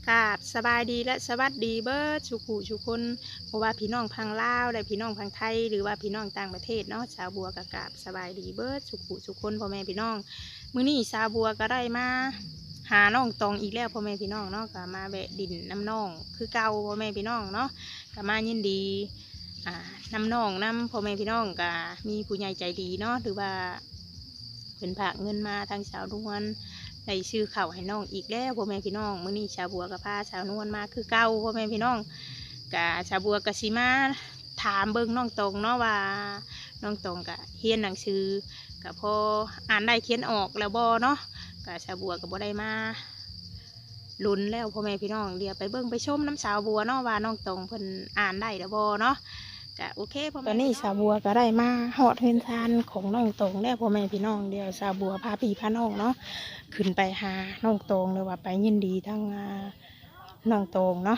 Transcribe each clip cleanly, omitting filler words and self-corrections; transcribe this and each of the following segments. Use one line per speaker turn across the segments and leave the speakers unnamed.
กราบสบายดีและสวัสดีเบิร์ดสุขุสุคนเพราะว่าพี่น้องพังลาวและพี่น้องพังไทยหรือว่าพี่น้องต่างประเทศเนาะชาวบัวกราบสบายดีเบิร์ดสุขุสุคนพ่อแม่พี่น้องมื้อนี้ชาวบัวก็ได้มาหาน้องตองอีกแล้วพ่อแม่พี่น้องเนาะก็มาแวะดินน้ำน้องคือเก่าพ่อแม่พี่น้องเนาะก็มายินดีน้ำน้องน้ำพ่อแม่พี่น้องก็มีผู้ใหญ่ใจดีเนาะหรือว่าเป็นฝากเงินมาทางชาวนวลได้ชื่อเข่าให้น้องอีกแล้วพ่อแม่พี่น้องมื้อนี้ชาวบัวกับพาชาวนวลมาคือเก่าพ่อแม่พี่น้องกะชาวบัวกะสิมาถามเบิ่งน้องตรงเนาะว่าน้องตรงกะเรียนหนังสือกะพออ่านได้เขียนออกแล้วบ่เนาะกะชาวบัวกะบ่ได้มาลุ้นแล้วพ่อแม่พี่น้องเดี๋ยวไปเบิ่งไปชมน้ำชาวบัวเนาะว่าน้องตรงเพิ่นอ่านได้แล้วบ่เนาะกะโอเคพ่อแม่ตอนนี้ชาวบัวก็ได้มาฮอดเฮือนซานของน้องตรงแล้วพ่อแม่พี่น้องเดี๋ยวชาวบัวพาพี่พาน้องเนาะขึ้นไปหาน้องตรงหรือว่าไปยินดีทั้งน้องตรงเนาะ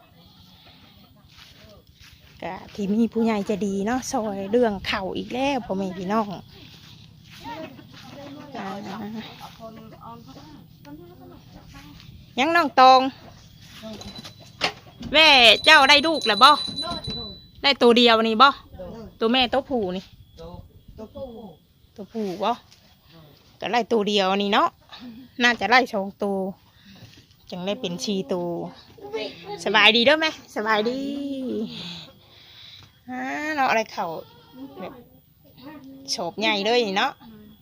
กะที่มีผู้ใหญ่จะดีเนาะซอยเรื่องเข่าอีกแล้วพ่อแม่พี่น้องยังน้องตรงแม่เจ้าได้ลูกแล้วบ่ได้ตัวเดียวนี่บ่ตัวแม่ตัวผู้นี่ตัวผู้บ่ก็ไล่ตัวเดียวนี่เนาะน่าจะไล่สองตัวจังได้เป็นชีตัวสบายดีเด้อแม่สบายดีเนาะอะไรเข่าแบบโฉบใหญ่เลยเนาะ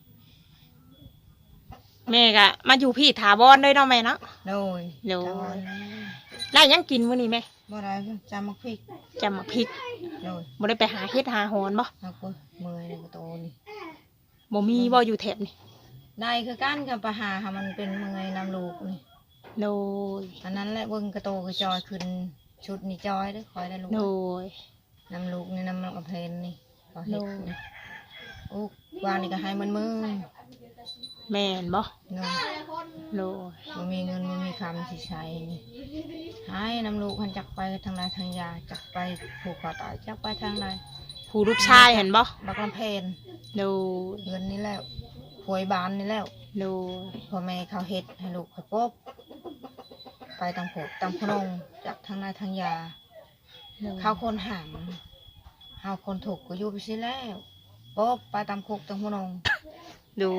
แม่ก็มาอยู่พี่ถาวรด้วยเนาะแม่เนาะ
โดย
ได้ยังกินมื้อนี้แม่
บ่ได้จำมักพริก
จำมาพริก
โดย
บ่ได้ไปหาเฮ็ดหาหอนบ่
เอาก็เมื่อยในกระโตนี่
บ่มีบ่อยู่แถบนี่
ได้คือกันกับปลาหาค่ะมันเป็นเมื่อยน้ำลูกนี่
โดย
อันนั้นแหละเบิ่งกระโตกระจอยขึ้นชุดนี่จอยได้คอยได้ลูก
โดย
น้ำลูกนี่น้ำกระเพนนี่ก็เห็ดนี่โอ้วานนี่ก็ให้มันมือ
แม่นบ่
โดย
โดย
มันมีเงินมันมีคำที่ใช้นี่ให้น้ำลูกมันจักไปทางใดทางยาจักไปผูกคอตายจักไปทางใด
ผู้ลูกชายเห็นบ่
บักลำเพน
ดู
เงินนี่แล้วหวยบานนี่แล้ว
ดู
พ่อแม่เขาเฮ็ดให้ลูกเขาป๊บไปตามโผตามพนงจักทางใดทางยาเขาคนห่างเขาคนถูกก็อยู่ไปสิแล้วป๊บไปตามคุกตามพนง
ดู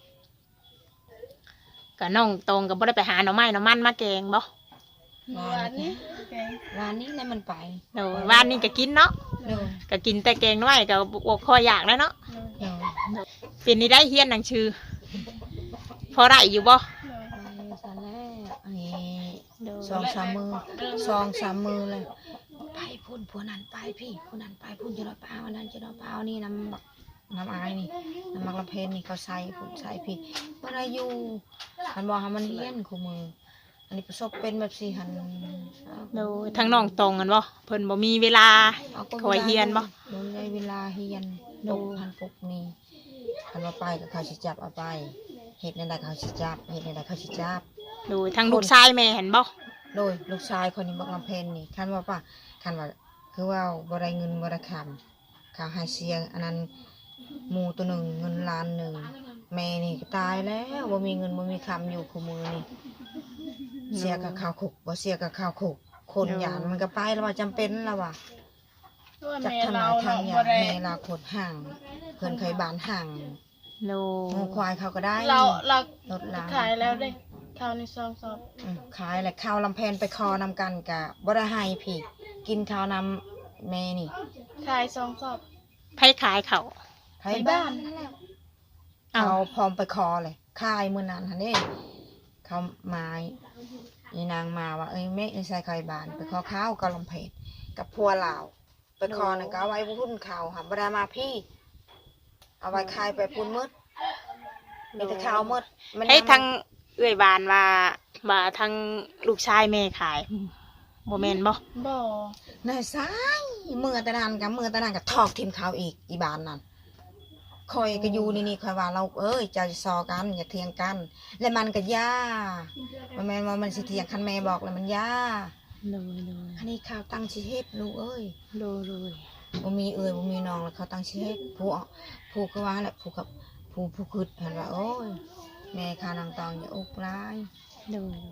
กับน้องตรงกับบ่ได้ไปหาหน่อไม้หน่อมันมาแกงบ่
วานนี้เลยมันไป
ดูวานนี้ก็กินเนาะก็กินแต่แกงน้อยก็บวกคออยากแล้วเนาะเป็นนี่ได้เฮียนหนังชื่อพอได้อยู่บ่
สองสามมือเลยไปพุ่นผัวนั้นไปพี่ผัวนั้นไปพุ่นจะนอนเปล่าวันนั้นจะนอนเปล่านี่น้ำอายนี่น้ำมักละเพนนี่เขาใส่พุ่นใส่พี่เมื่อไรอยู่มันบอกให้มันเฮียนคู่มืออันนี้ประสบเป็นแบบสี่หัน
ดูทั้งน้องตรงกันบ่เพิ่นบ่มีเวลาคอยเฮียนบ่
ดูในเวลาเฮียนดูหันปุกนี่หันมาไปกับเขาสิจับเอาไปเห็ดในใดเขาสิจับเห็ดในใดเขาสิจับ
ดูทั้งลูกชายแม่เห็นบ่
โดยลูกชายคนนี้บักลำเพนนี่คันว่าป่ะคันว่าคือว่าบ่ได้เงินบ่ได้คำเขาให้เสียอันนั้นหมูตัวหนึ่งเงินล้านหนึ่งแม่นี่ก็ตายแล้วบ่มีเงินบ่มีคำอยู่คู่มือนี่เสียกับข้าวขุกบ่เสียกับข้าวขุกคนหยาดมันก็ไปแล้วว่าจำเป็นแล้วว่าจากทางไหนทางหยาดแม่เราขดห่างเพื่อนเคยบานห่างงูควายเขาก็ได้
เรา
ลดล้าง
ขายแล้วได้ข้าวในซองสอบ
ขายแหละข้าวลำแพนไปคอนำกันกะบ่ได้ให้พี่กินข้าวนำแม่นี่
ขายซองสอบ
ไผขายเขา
ไผบ้านนั่นแหละเขาพร้อมไปคอเลยขายมื้อนั้นหั่นเด้เขาไม้ยีนางมาว่าเอ้ยแม่ใส่ไข่บานไปคอข้าวกับลำเพนกับพัวลาวไปคอน่ะก็เอาไว้พุ่นข้าวหาบ่ได้มาพี่เอาไว้ขายไปพุ่นมืดมีแต่ข้าวมืด
ให้ทางเอื้อยบานว่าทางลูกชายแม่ขายบ่แม่นบ่
น
ายซ้ายมือตะนานกับทอกทีมข้าวอีกอีบานนั่นคอยก็อยู่นี่คอยว่าเราจะซอกันอย่าเถียงกันและมันก็ย่าแม่ว่ามันสิเถียงคันแม่บอกแล้วมันย่าอันนี้ข้าวตั้งชีเฮ็ดลูกบ่มีบ่มีน้องแล้วเขาตั้งชีเฮ็ดผู้ก็ว่าแหละผู้กับผู้คืดหันว่าโอ้ยแม่ข้านางตองอย่าอุกร้าย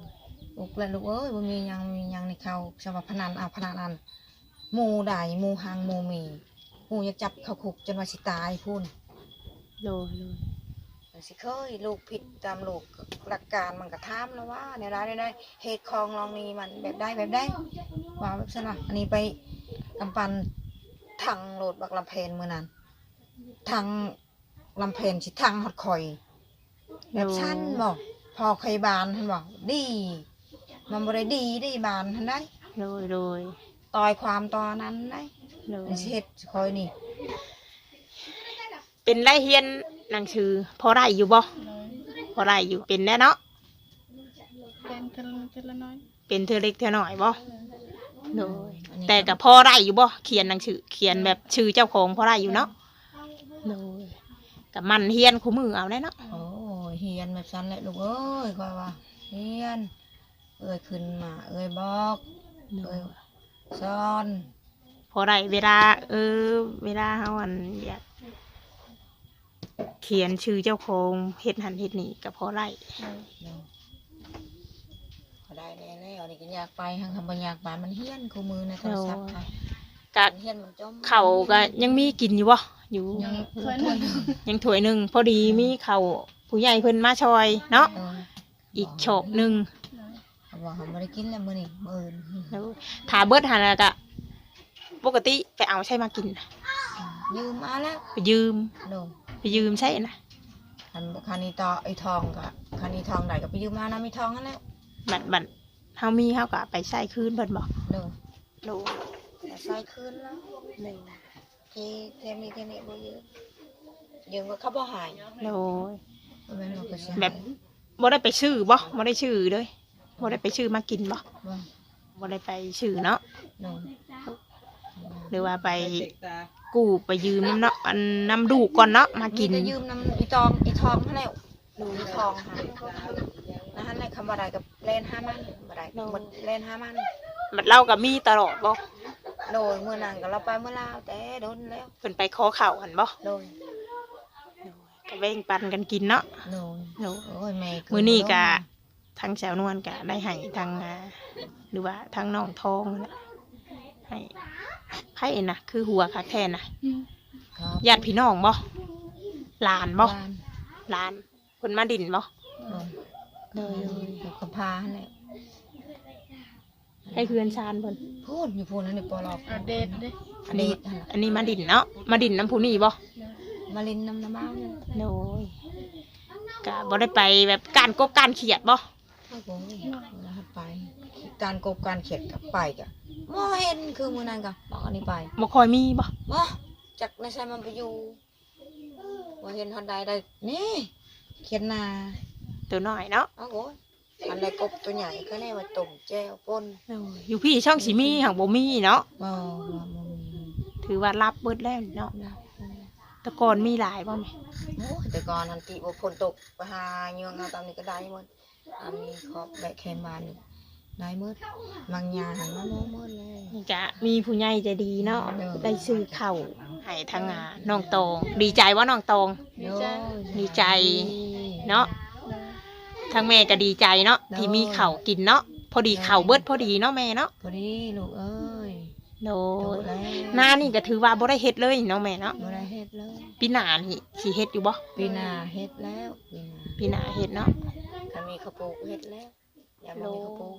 ลูกเลยลูกเอ้ยบ่มียังในเขาสำหรับพนันพนันอันหมู่ใดหมู่หางหมู่มีหมู่อยากจับเขาคุกจนว่าสิตายพุ่น
โดย
สิเคยลูกผิดตามลูกหลักการมันก็ถามแล้วว่าในร้านได้เหตุคองลองนี้มันแบบได้ว่าแบบนั้นอันนี้ไปกำปันทางโหลดบักลำเพนมื้อนั้นทางลำเพนสิทางฮอดข่อยแบบชั้นบอกพอเคยบานท่านบอกดีมันบ่ได้ดีบานท่านได้
โดย
ต่อยความตอนนั้นได้
โดย
เฮ็ดคอยนี่
เป็นไรเฮียนหนังสือพอได้อยู่บ่
โดย
พอได้อยู่เป็นแน่เนาะ
เป็นเทละน้อย
เป็นเธอเล็กเธอหน่อยบ่
โดย
โดยแต่กับพอได้อยู่บ่เขียนหนังสือเขียนแบบชื่อเจ้าของพอได้อยู่เนาะโดยกับมันเฮียนคู่มือเอาได้เนาะ
โอ้ยเฮียนแบบนั้นแหละลูกเอ้ยคอยว่าเฮียนขึ้นมาบอก
โดย
ซ้อน
พอได้เวลาเวลาเฮาอันอยากเขียนชื่อเจ้าของเฮ็ดหันเฮ็ดนี่กับพอได้
พอได้แล้วนี่ก็อยากไปทางคำบัญญัติบานมันเฮียนคู่มือในโทรศัพท์ค่ะ
กะ
เฮียนมันจม
เข่าวก็ยังมีกินอยู่บ่อยู่
ยัง
เคยนั่ง
ยังถ้วยหนึ่งพอดีมีเข่าวผู้ใหญ่เพิ่นมาชอยเนาะอีกโฉบหนึ่ง
เขาบอกเขาไม่ได้กินแล้วมื้อนี้มื้ออื่น
แล้วถ้าเบิดหันแล้วก็ปกติไปเอาใช่มากินน่ะ
ยืมมาแล้ว
ไปยืม
โดน
ไปยืมใช่นะ
คันนี้ต่อไอ้ทองก็คันนี้ทองได้ก็ไปยืมมานะมีทองนั่นแล้ว
บัดเฮามีเฮาก็ไปใช้คืนเพิ่นบอก
โดน
โด
แต่ใส่คืนแล้วที่เทมีเทนี่บ่เยอะยืมก็เขาบ่หาย
โด
บ่แม่นว่าก็สิ
แบบบ่ได้ไปชื่อบ่ได้ชื่อเลยบ่ได้ไปชื่อมากินบ่
บ่
บ่ได้ไปชื่อเนาะ
โดน
หรือว่าไปกู้ไปยืมเนาะอันนำดูกก่อนเนาะมากิน
มีแต่ยืมน้ำอีทองนั่นแหละดูอีทองค่ะนั่นแหละคำว่าใดกับเล่น5 มันบ่ได้หมดเล่น5 มัน
บัดเราก็มีตลอดบ่
โดยมื้อนั้นก็เราไปเมื่อลาวแต่โดนแล้ว
เพิ่นไปขอข้าวหั่นบ่
โดย
ก็แบ่งปันกันกินเนาะ
โดย
โด
โอ้ยแม่
มื้อนี้ก็ทางแสวนวลก็ได้ให้ทางหรือว่าทางน้องทองนั่นแหละให้ไผน่ะคือหัวคักแท้น่ะ
ครับ
ญาติพี่น้องบ่หลานบ่
บ้าน
หลานเพิ่นมาดินบ่
โดยอยู่กับพาหั่นแหละ
ให้เพื่อนชานเพิ่น
พูดอยู่พูดนั่นนี่ปอลอก
เอาเดทเด้
อันนี้
หั่นล่ะ
อันนี้มาดินเนาะมาดินน้ำผู้นี้บ่
มาลินน้ำบ้านนั่น
โดยก็บ่ได้ไปแบบการกบการเขียดบ่
โอ้โหแล้วไปการกบการเขียดกับไปกะบ่เห็นคือมื้อนั้นกะบอกอันนี้ไป
บ่ค่อยมีบ่
บ่จักในใช่มันไปอยู่บ่เห็นทันใดได้นี่เขียนนา
ตัวน้อยเนาะ
โอ้โหอันใดกบตัวใหญ่ก็แน่ว่าต้มแจ่วป่น
โดยอยู่พี่ช่องสิมีหังบ่มีเนาะ
บ่มี
ถือว่ารับเบิดแล้วเนาะแต่ก่อนมีหลายบ่แม่
โอ้ยแต่ก่อนอันติบ่ฝนตกไปหาเยืองเอาตามนี้ก็ได้หมดอันนี้ขอบแบกแคมบานนี่ได้หมดบางยาหันมาโน้มหมดเลย
นี่ก็มีผู้ใหญ่ใจดีเนาะ
เออ
ได้ซื้อข้าวให้ทางน้องตองดีใจว่าน้องตอง ดีใจ เนาะ ทางแม่ก็ดีใจเนาะที่มีข้าวกินเนาะพอดีข้าวเบิดพอดีเนาะแม่เนาะ
พอดีลูกเอ้ย
โด
โต
ย
แล้ว
หน้านี่ก็ถือว่าบ่ได้เฮ็ดเลยเนาะแม่เนาะ
บ่ได้เฮ็ดเลย
ปีหน้านี่สิเฮ็ดอยู่บ่
ปีหน้าเฮ็ดแล้วปีหน้า
ปีหน้าเฮ็ดเนาะ
ถ้ามีข้าวปลูกเฮ็ดแล้วอย่าบ่มีข้าวปลูก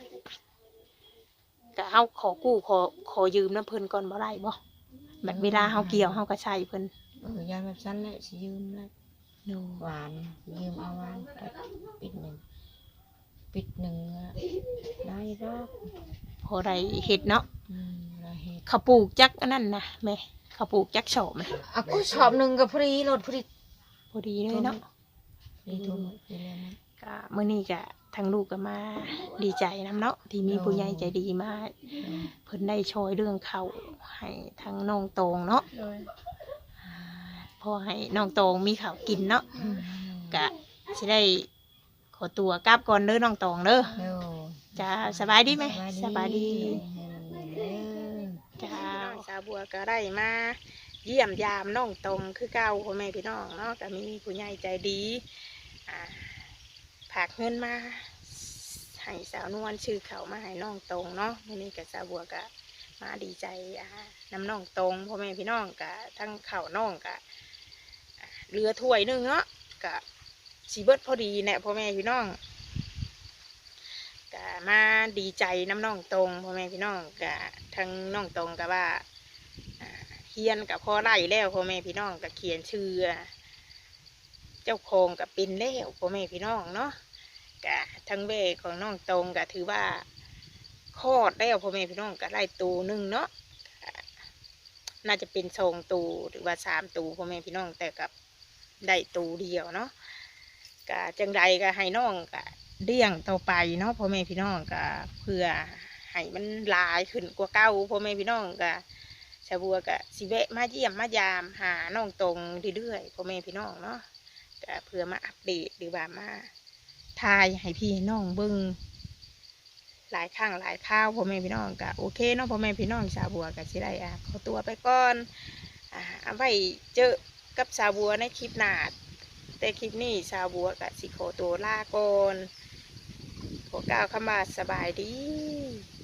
ก็เฮาขอกู้ขอยืมน้ำเพิ่นก่อนบ่ได้บ่แบบเวลาเฮาเกี่ยวเฮาก็ใช้เพิ่น
ยายแบบนั้นแหละสิยืมแล้ว
โดย
หวานยืมเอาหวานปิดหนึ่งอะได้ดอก
พอได้เฮ็ดเนาะ
ได้เฮ็ด
เขาปลูกจักอันนั้นนะแม่เขาปลูกจักโฉมนะ
อ่ะกูชอบหนึงกับพอดีรถพอดี
พอดีเลยเนาะ
ทุ่มไปแล้วนะ
ก็มื้อนี้ก็ทางลูกก็มาดีใจนํเนาะที่มีผู้ใหญ่ใจดีมาเพิ่นได้ช่วยเรื่องข้าวให้ทางน้องตองเนาะ
โดย
พอให้น้องตองมีข้าวกินเนาะก็สิได้ขอตัวกลับก่อนเด้อน้องตองเด้อ
เดี๋ยว
จ้าสบายดีไหมสบายดี
เด้อ
จ้าสาวบัวก็ได้มาเยี่ยมยามน้องตองคือเก่าพ่อแม่พี่น้องเนาะก็มีผู้ใหญ่ใจดีฝากเงินมาใให้สาวนวลชื่อเขามาให้น้องตรงเนาะมื้อนี้ก็สาวบัวก็มาดีใจน้ำน้องตรงพ่อแม่พี่น้องก็ทั้งข้าวน้องก็เหลือถ้วยหนึงเนาะก็สิเบิดพอดีแน่พ่อแม่พี่น้องก็มาดีใจน้ำน้องตรงพ่อแม่พี่น้องก็ทั้งน้องตรงก็ว่าเขียนกับพ่อไล่แล้วพ่อแม่พี่น้องก็เขียนชื่อเจ้าของก็เป็นแล้วพ่อแม่พี่น้องเนาะก็ทั้งเบของน้องตรงก็ถือว่าคลอดแล้วพ่อแม่พี่น้องก็ไล่ตูหนึ่งเนาะน่าจะเป็น2 ตูหรือว่า3 ตูพ่อแม่พี่น้องแต่กับได้ตูเดียวเนาะก็จังใดก็ให้น้องก็เลี้ยงต่อไปเนาะพ่อแม่พี่น้องก็เพื่อให้มันหลายขึ้นกว่าเก่าพ่อแม่พี่น้องก็ชาวบัวก็สิแวะมาเยี่ยมมายามหาน้องตรงเรื่อยๆพ่อแม่พี่น้องเนาะก็เพื่อมาอัปเดตหรือว่ามาทายให้พี่น้องเบิ่งหลายครั้งหลายคราวพ่อแม่พี่น้องก็โอเคเนาะพ่อแม่พี่น้องชาวบัวก็สิได้ขอตัวไปก่อนเอาไว้เจอกับชาวบัวในคลิปหน้าแต่คลิปนี้ชาวบัวก็สิขอตัวลาก่อนขอกล่าวคำว่าสบายดี